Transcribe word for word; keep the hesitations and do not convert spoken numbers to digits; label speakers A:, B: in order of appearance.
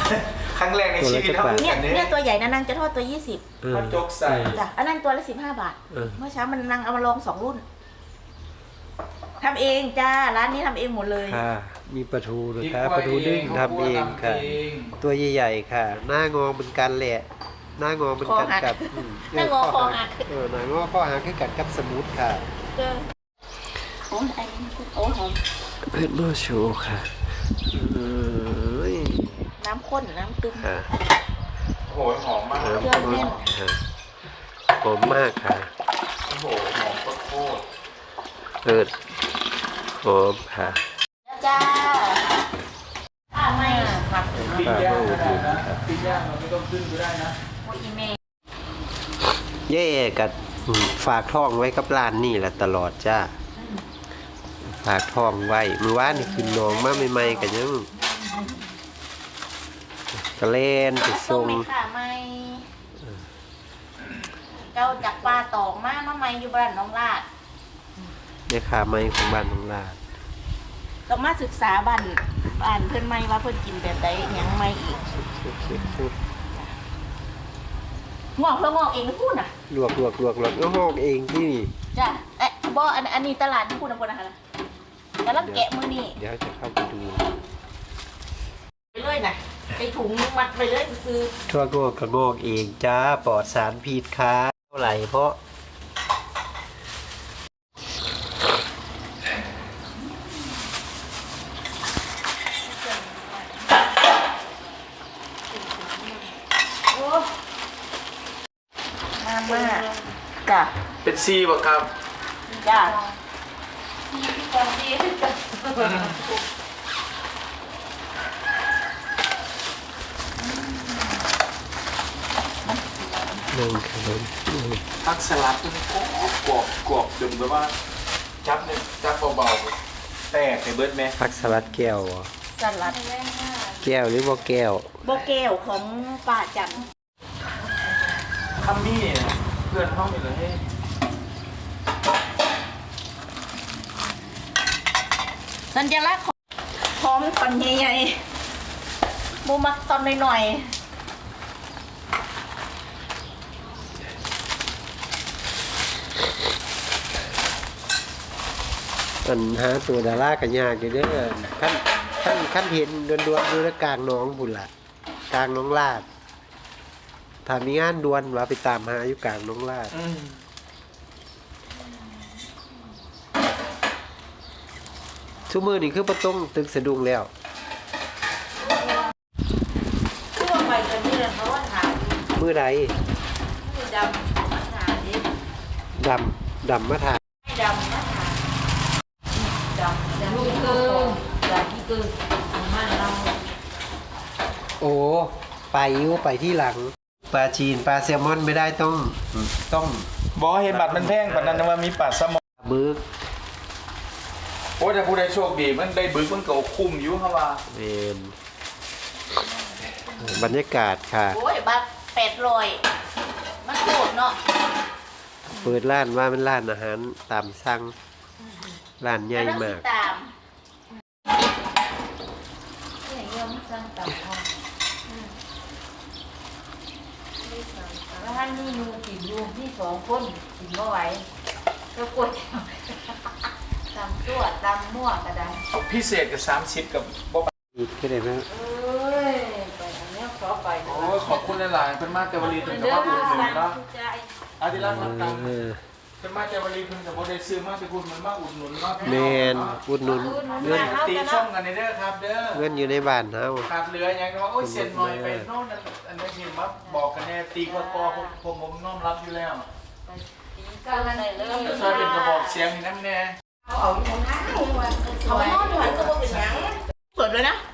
A: ครั้งแรกในชีวิต
B: เนี่ย
A: เขา
B: เนี่ยตัวใหญ่นะนางจะทอดตัวยี่สิบ
A: เขาจกใส่
B: จ้ะอันนั้นตัวละสิบห้าบาทเมื่อเช้ามันนางเอามาลองสองรุ่นทำเองจ้าร้านนี้ทำเองหมดเลย
C: ค่ะมีปลาทูนะคะปลาทูนึ่งทำเองค่ะตัวใหญ่ๆค่ะหน้างอเหมือนกันแหละหน้างอเหมือนกันกับ
B: หน้างอคอหัก
C: เออหน้างอคอหักคือกันกับสมุดค่ะ
B: โอ้ยไอ้โอ้หอม
C: เผ็ดมากโชว์ค่ะ
B: น้ำข้นน้ำตึม
A: โหหอมมาก
C: เครื่องแน่นหอมมากค่ะ
A: โอ้โหหอมโคตร
C: เปิดหอมค่ะ
B: จ้าป้าไม่ผัก
A: ปิ้งย่างก็ได้นะปิ้งย่างเราไม่ต้องขึ้นก็ได้นะ
B: โอ้ยอีเมย์
C: เย่กับฝากท้องไว้กับร้านนี่แหละตลอดจ้าฝากท้องไว้มือว่านนี่ขึ้นน้องมาใหม่ๆกันยังกระเล่นไปส่ง
B: ค่ะไม่เจ้าจากปลาตองมามาไม่อยู่บ้านน้องลาด
C: เนี่ยค่ะไม้ของบ้านน้องลาด
B: ต้องมาศึกษาบ้านบ้านเพื่อนไม่ว่าเพื่อนกินแบบใดยังไม่อีกงอกเพื่องอกเองพูดน่ะ
C: ลวกลวกลวกลวกแล้วงอกเองที่นี่
B: จ้ะเอ๊ะบ่อันอันนี้ตลาดที่พูดนะคนนะคะแต่ละแกะมือนี่
C: เดี๋ยวจะเข้าไปดู
B: ไปเลยนะไปถุงมัดไปเลยคือ
C: ทั่วงอกก็งอกเองจ้าปลอดสารพิษค่ะเท่าไหร่เพราะ
B: มากจ้ะ
A: เป็นซีบ่ครับ
B: จ้ะซีที่ตอนดีที่จะ
C: นึ่งขนม
A: ผักสลัดมันกรอบกรอบกรอบดึงแบบว่าจับเนี่ยจับเบาๆแตกไปเบิดไหม
C: ผักสลัดแก้ว
B: สลัด
C: แก้วหรือบ่แก้ว
B: บ่แก้วของป้าจัน
A: คัมมี่เพื่อนห้องอยู่เลยให้
B: สัญลักษณ์ของพร้อมตอนใหญ่ๆบูมักตอนหน่อย
C: ๆปัญหาตัวดารากันยากอยู่เด้อขั้นขั้นขั้นเห็นดวนดวนดูกลางน้องบุญละกลางน้องลาดถ้ามีงานดวนว่าไปตามหาอยู่กลางน้องลาดชั่วมือนี่คือประต้องตึกสะดุ้งแล้ว
B: คือว่าไปกันนี่แหละเพราะว่าถาม
C: มือใด
B: มือดำมาถามดิ
C: ดำดำมาถาม
B: ไม่ดำมาถามดำดำที่เกินดำที่เกินมันเรา
C: โอ้ไปอยู่ไปที่หลังปลาจีนปลาแซลมอนไม่ได้ต้องต้อง
A: บอเห็นบัตรมันแพงกว่านั้นว่ามีปลาแซลมอน
C: บึก
A: โอ้แต่ผู้ใดโชคดีมันได้บึกมันก็คุ้มอยู่ครับว่า
C: เป็นบรรยากาศค่ะ
B: โอ้ยบัตรแปดร้อยมันโคตรเนาะ
C: เปิดร้านว่ามันร้านอาหารตามสั่งร้านใหญ่มาก
B: แล้วท่านนี่มือติดยูที่สองคนติดเมื่อไหร่ก็กดตำตัวตำมั่วกระได
A: พิเศษกับสามสิบกับบ๊อบ
C: อีกแค่ไหนไหม
B: เอ้ยไปอันนี้ขอไป
A: โอ้ขอบคุณหลายๆเป็นมาเจวลีถึงกับว่าอุ่นหนุนเนาะอาทิตย์ละรับตังค์เป็นมาเจวลีถึงกับว่าได้ซื้อมาจะคุณมันมาอุ่นหนุนเนาะ
C: เมนอุดหนุน
A: เงินตีช่องกันในเด้อครับเด้อ
C: เงินอยู่ในบ้านเฮา
A: ขาดเหลืออย่างว่าโอ้ยเซ็นหน่อยไปโน่นอันนี้เห็นมาบอกกันแน่ตีกอกอผมผมน้อมรับอยู่แล้ว
B: ก็อะไรเริ่ม
A: ช่วยเป็นกระบอกเสียงน้ำแน่
B: เอาอยู่ตรงนั้นเอาไว้นอนอยู่หันก็บ่เป็นหยังเปิดเลยนะ